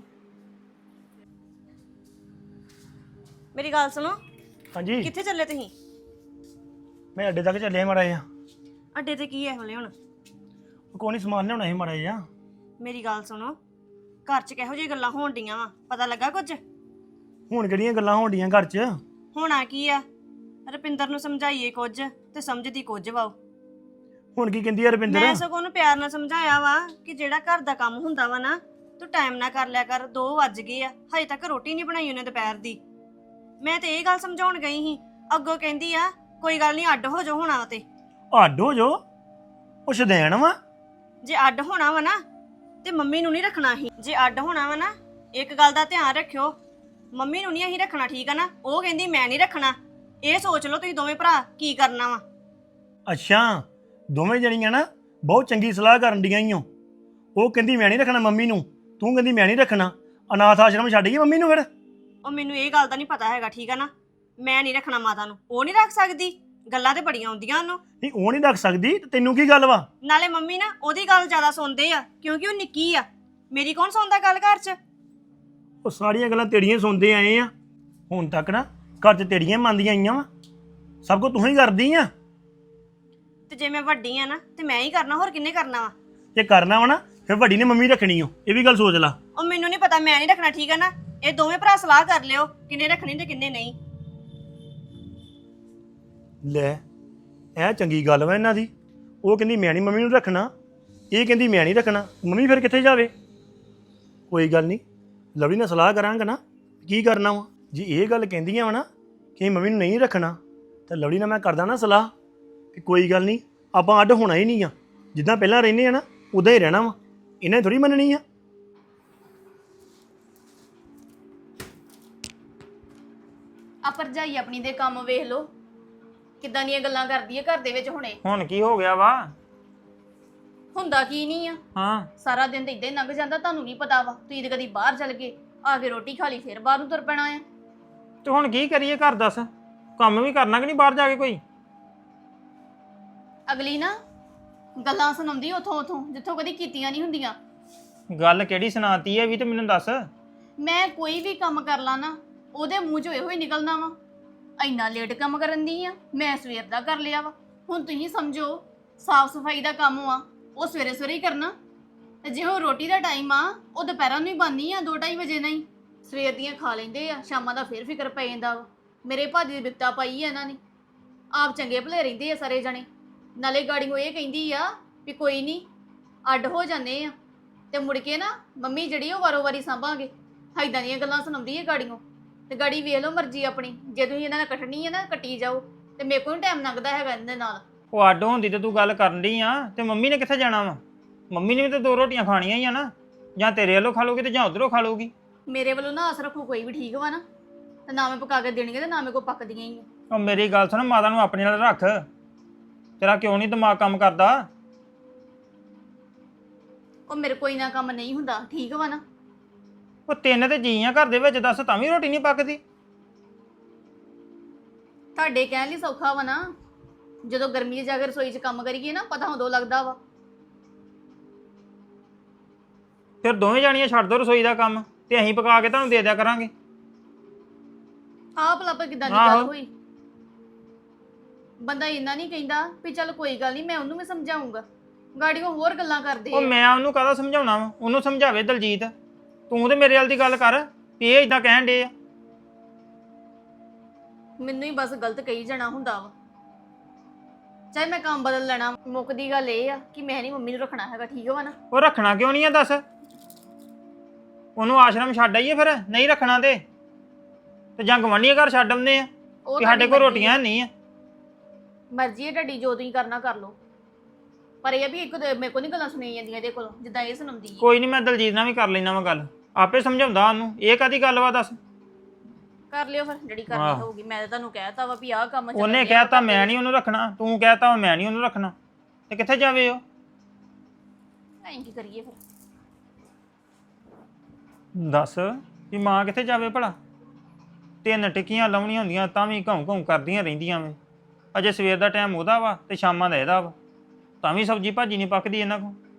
C: ਮੇਰੀ ਗੱਲ ਸੁਣੋ,
F: ਹਾਂਜੀ
C: ਕਿੱਥੇ ਚੱਲੇ ਤੁਸੀਂ?
F: ਮੈਂ ਅੱਡੇ ਤੱਕ ਚੱਲਿਆ ਮਾੜਾ ਜਿਹਾ।
C: ਅੱਡੇ ਤੇ ਕੀ ਹੈ ਹਲੇ ਹੁਣ?
F: ਕੋਈ ਨਹੀਂ, ਸਮਾਨ ਲਿਆਉਣਾ ਸੀ ਮਾੜਾ ਜਿਹਾ।
C: ਮੇਰੀ ਗੱਲ ਸੁਣੋ, ਘਰ 'ਚ ਕਿਹੋ ਜਿਹੀ ਗੱਲਾਂ ਹੋਣ ਡੀਆਂ ਵਾ? ਪਤਾ ਲੱਗਾ ਕੁਝ?
F: ਹੁਣ ਕਿਹੜੀਆਂ ਗੱਲਾਂ ਹੋਣ ਡੀਆਂ ਘਰ 'ਚ?
C: ਹੋਣਾ ਕੀ ਆ? ਰੁਪਿੰਦਰ ਨੂੰ ਸਮਝਾਈਏ ਕੁਝ ਤੇ ਸਮਝਦੀ ਕੁਝ ਵਾ। ਉਹ
F: ਹੁਣ ਕੀ ਕਹਿੰਦੀ ਆ ਰੁਪਿੰਦਰ?
C: ਮੈਂ ਸਗੋਂ ਉਹਨੂੰ ਪਿਆਰ ਨਾਲ ਸਮਝਾਇਆ ਵਾ ਕਿ ਜਿਹੜਾ ਘਰ ਦਾ ਕੰਮ ਹੁੰਦਾ ਵਾ ਨਾ ਤੂੰ ਟਾਈਮ ਨਾਲ ਕਰ ਲਿਆ ਕਰ। ਦੋ ਵੱਜ ਗਏ ਆ, ਹਜੇ ਤੱਕ ਰੋਟੀ ਨਹੀਂ ਬਣਾਈ ਉਹਨੇ ਦੁਪਹਿਰ ਦੀ। ਮੈਂ ਤੇ ਇਹ ਗੱਲ ਸਮਝਾਉਣ ਗਈ ਸੀ, ਅੱਗੋਂ ਕਹਿੰਦੀ ਆ ਕੋਈ ਗੱਲ ਨਹੀਂ ਅੱਡ ਹੋ ਜਾ ਹੋਣਾ ਤੇ।
F: ਅੱਡ ਹੋ ਜੋ? ਉਹ ਸ਼ਦੈਣ ਵਾ।
C: ਜੇ ਅੱਡ ਹੋਣਾ ਵਾ ਨਾ ਤੇ ਮੰਮੀ ਨੂੰ ਨਹੀਂ ਰੱਖਣਾ ਸੀ। ਜੇ ਅੱਡ ਹੋਣਾ ਵਾ ਨਾ, ਇੱਕ ਗੱਲ ਦਾ ਧਿਆਨ ਰੱਖਿਓ, ਮੰਮੀ ਨੂੰ ਨਹੀਂ ਅਸੀਂ ਰੱਖਣਾ, ਠੀਕ ਆ ਨਾ? ਉਹ ਕਹਿੰਦੀ ਮੈਂ ਨਹੀਂ ਰੱਖਣਾ। ਇਹ ਸੋਚ ਲਓ ਤੁਸੀਂ ਦੋਵੇਂ ਭਰਾ ਕੀ ਕਰਨਾ ਵਾ।
F: ਅੱਛਾ, ਦੋਵੇਂ ਜਣੀਆਂ ਨਾ ਬਹੁਤ ਚੰਗੀ ਸਲਾਹ ਕਰਨ ਡੀਆਂ ਈ ਓ। ਉਹ ਕਹਿੰਦੀ ਮੈਂ ਨਹੀਂ ਰੱਖਣਾ ਮੰਮੀ ਨੂੰ, ਤੂੰ ਕਹਿੰਦੀ ਮੈਂ ਨਹੀਂ ਰੱਖਣਾ। ਅਨਾਥ ਆਸ਼ਰਮ ਛੱਡ ਗਈ ਮੰਮੀ ਨੂੰ ਫਿਰ?
C: ਉਹ ਮੈਨੂੰ ਇਹ ਗੱਲ ਦਾ ਨਹੀਂ ਪਤਾ ਹੈਗਾ, ਠੀਕ ਆ ਨਾ? ਮੈਂ ਨਹੀਂ ਰੱਖਣਾ ਮਾਤਾ ਨੂੰ, ਉਹ ਨਹੀਂ ਰੱਖ ਸਕਦੀ। ਗੱਲਾਂ ਤੇ ਬੜੀਆਂ ਆਉਂਦੀਆਂ ਉਹਨੂੰ।
F: ਨਹੀਂ, ਉਹ ਨਹੀਂ ਰੱਖ ਸਕਦੀ ਤੇ ਤੈਨੂੰ ਕੀ ਗੱਲ ਵਾ?
C: ਨਾਲੇ ਮੰਮੀ ਨਾ ਉਹਦੀ ਗੱਲ ਜ਼ਿਆਦਾ ਸੁਣਦੇ ਆ ਕਿਉਂਕਿ ਉਹ ਨਿੱਕੀ ਆ। ਮੇਰੀ ਕੌਣ ਸੁਣਦਾ ਗੱਲ ਘਰ 'ਚ?
F: ਉਹ ਸਾਰੀਆਂ ਗੱਲਾਂ ਤੇੜੀਆਂ ਸੁਣਦੇ ਆਏ ਆ ਹੁਣ ਤੱਕ ਨਾ। ਘਰ 'ਚ ਤੇੜੀਆਂ ਮੰਨਦੀਆਂ ਆਈਆਂ ਵਾ, ਸਭ ਕੁਝ ਤੂੰ ਹੀ ਕਰਦੀ ਆ।
C: ਤੇ ਜੇ ਮੈਂ ਵੱਡੀ ਆ ਨਾ ਤੇ ਮੈਂ ਹੀ ਕਰਨਾ, ਹੋਰ ਕਿੰਨੇ ਕਰਨਾ ਵਾ?
F: ਜੇ ਕਰਨਾ ਵਾ ਨਾ ਫਿਰ ਵੱਡੀ ਨੇ ਮੰਮੀ ਰੱਖਣੀ ਓ, ਇਹ ਵੀ ਗੱਲ ਸੋਚ ਲਾ।
C: ਉਹ ਮੈਨੂੰ ਨਹੀਂ ਪਤਾ, ਮੈਂ ਨਹੀਂ ਰੱਖਣਾ, ਠੀਕ ਆ ਨਾ? ਇਹ ਦੋਵੇਂ ਭਰਾ ਸਲਾਹ ਕਰ ਲਿਓ ਕਿੰਨੇ ਰੱਖਣੀ ਤੇ ਕਿੰਨੇ ਨਹੀਂ।
F: ਲੈ, ਇਹ ਚੰਗੀ ਗੱਲ ਵਾ ਇਹਨਾਂ ਦੀ। ਉਹ ਕਹਿੰਦੀ ਮੈਂ ਨਹੀਂ ਮੰਮੀ ਨੂੰ ਰੱਖਣਾ, ਇਹ ਕਹਿੰਦੀ ਮੈਂ ਨਹੀਂ ਰੱਖਣਾ। ਮੰਮੀ ਫਿਰ ਕਿੱਥੇ ਜਾਵੇ? ਕੋਈ ਗੱਲ ਨਹੀਂ, ਲਵਲੀ ਨਾਲ ਸਲਾਹ ਕਰਾਂਗਾ ਨਾ ਕੀ ਕਰਨਾ ਵਾ। ਜੇ ਇਹ ਗੱਲ ਕਹਿੰਦੀਆਂ ਵਾ ਨਾ ਕਿ ਮੰਮੀ ਨੂੰ ਨਹੀਂ ਰੱਖਣਾ, ਤਾਂ ਲਵਲੀ ਨਾਲ ਮੈਂ ਕਰਦਾ ਨਾ ਸਲਾਹ ਕਿ ਕੋਈ ਗੱਲ ਨਹੀਂ, ਆਪਾਂ ਅੱਡ ਹੋਣਾ ਹੀ ਨਹੀਂ ਆ, ਜਿੱਦਾਂ ਪਹਿਲਾਂ ਰਹਿੰਦੇ ਆ ਨਾ ਉਦਾਂ ਹੀ ਰਹਿਣਾ ਵਾ। ਇਹਨਾਂ ਨੇ ਥੋੜੀ ਮੰਨਣੀ ਆ।
D: ਆ ਭਰਜਾਈ ਆਪਣੀ ਦੇ ਕੰਮ ਵੇਖ ਲੋ, ਕਿੱਦਾਂ ਦੀਆਂ ਗੱਲਾਂ ਕਰਦੀ ਹੈ ਘਰ ਦੇ ਵਿੱਚ ਹੁਣੇ।
G: ਹੁਣ ਕੀ ਹੋ ਗਿਆ ਵਾ?
D: ਹੁੰਦਾ ਕੀ ਨਹੀਂ ਆ,
G: ਹਾਂ
D: ਸਾਰਾ ਦਿਨ ਤਾਂ ਇਦਾਂ ਹੀ ਲੰਘ ਜਾਂਦਾ, ਤੁਹਾਨੂੰ ਨਹੀਂ ਪਤਾ ਵਾ। ਤੁਸੀਂ ਤਾਂ ਕਦੀ ਬਾਹਰ ਚੱਲ ਗਏ, ਆ ਕੇ ਰੋਟੀ ਖਾ ਲਈ, ਫਿਰ ਬਾਹਰ ਨੂੰ ਤੁਰ ਪੈਣਾ ਆ।
G: ਤੇ ਹੁਣ ਕੀ ਕਰੀਏ ਘਰ ਦੱਸ? ਕੰਮ ਵੀ ਕਰਨਾ ਕਿ ਨਹੀਂ ਬਾਹਰ ਜਾ ਕੇ ਕੋਈ?
D: ਅਗਲੀ ਨਾ ਗੱਲਾਂ ਸੁਣਾਉਂਦੀ ਉਥੋਂ ਉਥੋਂ ਜਿੱਥੋਂ ਕਦੀ ਕੀਤੀਆਂ ਨਹੀਂ ਹੁੰਦੀਆਂ।
G: ਗੱਲ ਕਿਹੜੀ ਸੁਣਾਤੀ ਹੈ ਵੀ ਤੇ ਮੈਨੂੰ ਦੱਸ।
D: ਮੈਂ ਕੋਈ ਵੀ ਕੰਮ ਕਰ ਲਾਂ ਨਾ, ਉਹਦੇ ਮੂੰਹ ਚੋਂ ਇਹੋ ਹੀ ਨਿਕਲਣਾ ਵਾ, ਇੰਨਾ ਲੇਟ ਕੰਮ ਕਰਨ ਦੀ ਆ, ਮੈਂ ਸਵੇਰ ਦਾ ਕਰ ਲਿਆ ਵਾ। ਹੁਣ ਤੁਸੀਂ ਸਮਝੋ, ਸਾਫ ਸਫਾਈ ਦਾ ਕੰਮ ਆ ਉਹ ਸਵੇਰੇ ਸਵੇਰੇ ਹੀ ਕਰਨਾ, ਤੇ ਜੇ ਉਹ ਰੋਟੀ ਦਾ ਟਾਈਮ ਆ ਉਹ ਦੁਪਹਿਰਾਂ ਨੂੰ ਹੀ ਬਣਨੀ ਆ, ਦੋ ਢਾਈ ਵਜੇ ਨਹੀਂ। ਸਵੇਰ ਦੀਆਂ ਖਾ ਲੈਂਦੇ ਆ, ਸ਼ਾਮਾਂ ਦਾ ਫਿਰ ਫਿਕਰ ਪੈ ਜਾਂਦਾ ਵਾ। ਮੇਰੇ ਭਾਜੀ ਦੀ ਬਿਪਤਾ ਪਾਈ ਆ ਇਹਨਾਂ ਨੇ। ਆਪ ਚੰਗੇ ਭਲੇ ਰਹਿੰਦੇ ਆ ਸਾਰੇ ਜਣੇ, ਨਾਲੇ ਗਾੜੀਓ ਇਹ ਕਹਿੰਦੀ ਆ ਵੀ ਕੋਈ ਨਹੀਂ ਅੱਡ ਹੋ ਜਾਂਦੇ ਆ, ਤੇ ਮੁੜ ਕੇ ਨਾ ਮੰਮੀ ਜਿਹੜੀ ਉਹ ਵਾਰੋ ਵਾਰੀ ਸਾਂਭਾਂਗੇ। ਇੱਦਾਂ ਦੀਆਂ ਗੱਲਾਂ ਸੁਣਾਉਂਦੀ ਹੈ ਗਾੜੀਓ। ਤੇ ਗਾੜੀ ਵੇਖ ਲਓ ਮਰਜ਼ੀ ਆਪਣੀ, ਜੇ ਤੁਸੀਂ ਇਹਨਾਂ ਨਾਲ ਕੱਟਣੀ ਹੈ ਨਾ ਕੱਟੀ ਜਾਓ, ਤੇ ਮੇਰੇ ਕੋਲ ਟਾਈਮ ਲੰਘਦਾ ਹੈਗਾ ਇਹਦੇ ਨਾਲ।
G: ਉਹ ਅੱਡ ਹੁੰਦੀ ਤੇ ਤੂੰ ਗੱਲ ਕਰਨ ਡਈ ਆ, ਤੇ ਮੰਮੀ ਨੇ ਕਿੱਥੇ ਜਾਣਾ ਵਾ? ਮੰਮੀ ਨੇ ਵੀ ਤਾਂ ਦੋ ਰੋਟੀਆਂ ਖਾਣੀਆਂ ਹੀ ਆ ਨਾ, ਜਾਂ ਤੇਰੇ ਵੱਲੋਂ ਖਾ ਲੂਗੀ ਤੇ ਜਾਂ ਉਧਰੋਂ ਖਾ ਲੂਗੀ।
D: ਮੇਰੇ ਵੱਲੋਂ ਨਾ ਆਸ ਰੱਖੋ ਕੋਈ ਵੀ, ਠੀਕ ਵਾ ਨਾ? ਤੇ ਨਾ ਮੈਂ ਪਕਾ ਕੇ ਦੇਣਗੇ ਤੇ ਨਾ ਮੇਰੇ ਕੋਲ ਪੱਕਦੀਆਂ ਹੀ ਆ।
G: ਉਹ ਮੇਰੀ ਗੱਲ ਸੁਣ, ਮਾਤਾ ਨੂੰ ਆਪਣੇ ਨਾਲ ਰੱਖ। ਤੇਰਾ ਕਿਉਂ ਨਹੀਂ ਦਿਮਾਗ ਕੰਮ ਕਰਦਾ?
D: ਉਹ ਮੇਰੇ ਕੋਈ ਨਾ ਕੰਮ ਨਹੀਂ ਹੁੰਦਾ, ਠੀਕ ਵਾ ਨਾ?
G: ਉਹ ਤਿੰਨ ਤੇ ਜੀ ਆ ਘਰ ਦੇ ਵਿੱਚ, ਦੱਸ ਤਾਂ ਵੀ ਰੋਟੀ ਨਹੀਂ ਪੱਕਦੀ।
D: ਤੁਹਾਡੇ ਕਹਿਣ ਲਈ ਸੌਖਾ ਵਾ ਨਾ, ਜਦੋਂ ਗਰਮੀ 'ਚ ਜਾ ਕੇ ਰਸੋਈ 'ਚ ਕੰਮ ਕਰੀਏ ਨਾ, ਪਤਾ ਉਦੋਂ ਲੱਗਦਾ ਵਾ।
G: ਫਿਰ ਦੋਵੇਂ ਜਾਣੀਆਂ ਛੱਡ ਦੋ ਰਸੋਈ ਦਾ ਕੰਮ, ਤੇ ਅਸੀਂ ਪਕਾ ਕੇ ਤੁਹਾਨੂੰ ਦੇ ਦਿਆ ਕਰਾਂਗੇ।
D: ਆਹ ਭਲਾ ਕਿਦਾਂ ਦੀ ਗੱਲ
G: ਆਹੋ।
D: ਹੋਈ? ਬੰਦਾ ਇੰਨਾ ਨਹੀਂ ਕਹਿੰਦਾ ਵੀ ਚੱਲ ਕੋਈ ਗੱਲ ਨਹੀਂ, ਮੈਂ ਉਹਨੂੰ ਵੀ ਸਮਝਾਉਂਗਾ। ਗਾੜੀਆਂ ਹੋਰ ਗੱਲਾਂ ਕਰਦੇ
G: ਉਹ
D: ਆ।
G: ਮੈਂ ਉਹਨੂੰ ਕਾਹਦਾ ਸਮਝਾਉਣਾ ਵਾ? ਉਹਨੂੰ ਸਮਝਾਵੇ ਦਲਜੀਤ। ਤੂੰ ਤੇ ਮੇਰੇ ਵਾਲ ਦੀ ਗੱਲ ਕਰ ਵੀ ਇਹ ਇਦਾਂ ਕਹਿਣ ਡੇ ਆ।
D: ਮੈਨੂੰ ਹੀ ਬਸ ਗਲਤ ਕਹੀ ਜਾਣਾ ਹੁੰਦਾ ਵਾ। ਚਾਹੇ ਮੈਂ ਕੰਮ ਬਦਲ ਲੈਣਾ, ਮੁੱਕਦੀ ਗੱਲ ਇਹ ਆ ਕਿ ਮੈਂ ਨਹੀਂ ਮੰਮੀ ਨੂੰ ਰੱਖਣਾ ਹੈਗਾ, ਠੀਕ ਵਾ ਨਾ?
G: ਉਹ ਰੱਖਣਾ ਕਿਉਂ ਨਹੀਂ ਆ ਦੱਸ? ਉਹਨੂੰ ਆਸ਼ਰਮ ਛੱਡ ਆਈਏ ਫਿਰ, ਨਹੀਂ ਰੱਖਣਾ ਤੇ ਤੇ ਜਾਂ ਗਵਾਂਢੀਆਂ ਘਰ ਛੱਡ ਆਉਂਦੇ ਆ
D: ਉਹ
G: ਕਿ ਸਾਡੇ ਕੋਲ
D: ਤੁਹਾਡੀ
G: ਰੋਟੀਆਂ ਨਹੀਂ ਆ।
D: ਮਰਜ਼ੀ ਹੈ ਤੁਹਾਡੀ, ਜੋ ਤੁਸੀਂ ਕਰਨਾ ਕਰ ਲਓ। ਪਰ ਇਹ ਆ ਵੀ ਇੱਕ ਤੇ ਮੇਰੇ ਕੋਲ ਨਹੀਂ ਗੱਲਾਂ ਸੁਣੀਆਂ ਜਾਂਦੀਆਂ ਇਹਦੇ ਕੋਲੋਂ, ਜਿੱਦਾਂ ਇਹ ਸੁਣਾਉਂਦੀ ਹੈ।
G: ਕੋਈ ਨਹੀਂ, ਮੈਂ ਦਲਜੀਤ ਨਾਲ ਵੀ ਕਰ ਲੈਣਾ ਵਾ ਗੱਲ, ਆਪੇ ਸਮਝਾਉਂਦਾ ਉਹਨੂੰ। ਇਹ ਕਾਦੀ ਗੱਲ ਵਾ ਦੱਸ?
D: ਕਰ ਲਿਓ ਫਿਰ ਜਿਹੜੀ ਕਰਨੀ
G: ਆਹ।
D: ਹੋਊਗੀ। ਮੈਂ ਤਾਂ ਤੁਹਾਨੂੰ ਕਹਿਤਾ ਵਾ ਵੀ ਆਹ ਕੰਮ ਚੱਲਣ
G: ਉਹਨੇ
D: ਡਿਆ
G: ਕਹਿਤਾ
D: ਵਾ,
G: ਮੈਂ ਨਹੀਂ ਉਹਨੂੰ ਰੱਖਣਾ, ਤੂੰ ਕਹਿਤਾ ਮੈਂ ਨਹੀਂ ਉਹਨੂੰ ਰੱਖਣਾ, ਤੇ ਕਿੱਥੇ ਜਾਵੇ ਉਹ?
D: ਐਂ ਕੀ ਕਰੀਏ ਫਿਰ?
G: ਦੱਸ ਵੀ ਮਾਂ ਕਿੱਥੇ ਜਾਵੇ ਭਲਾ? ਤਿੰਨ ਟਿੱਕੀਆਂ ਲਾਉਣੀਆਂ ਹੁੰਦੀਆਂ ਤਾਂ ਵੀ ਘਾਉਂ ਘਾਉਂ ਕਰਦੀਆਂ ਰਹਿੰਦੀਆਂ ਵੇ। ਅਜੇ ਸਵੇਰ ਦਾ ਟਾਈਮ ਉਹਦਾ ਵਾ ਤੇ ਸ਼ਾਮਾਂ ਦਾ ਇਹਦਾ ਵਾ, ਤਾਂ ਵੀ ਸਬਜ਼ੀ ਭਾਜੀ ਨਹੀਂ ਪੱਕਦੀ ਇਹਨਾਂ ਕੋਲ।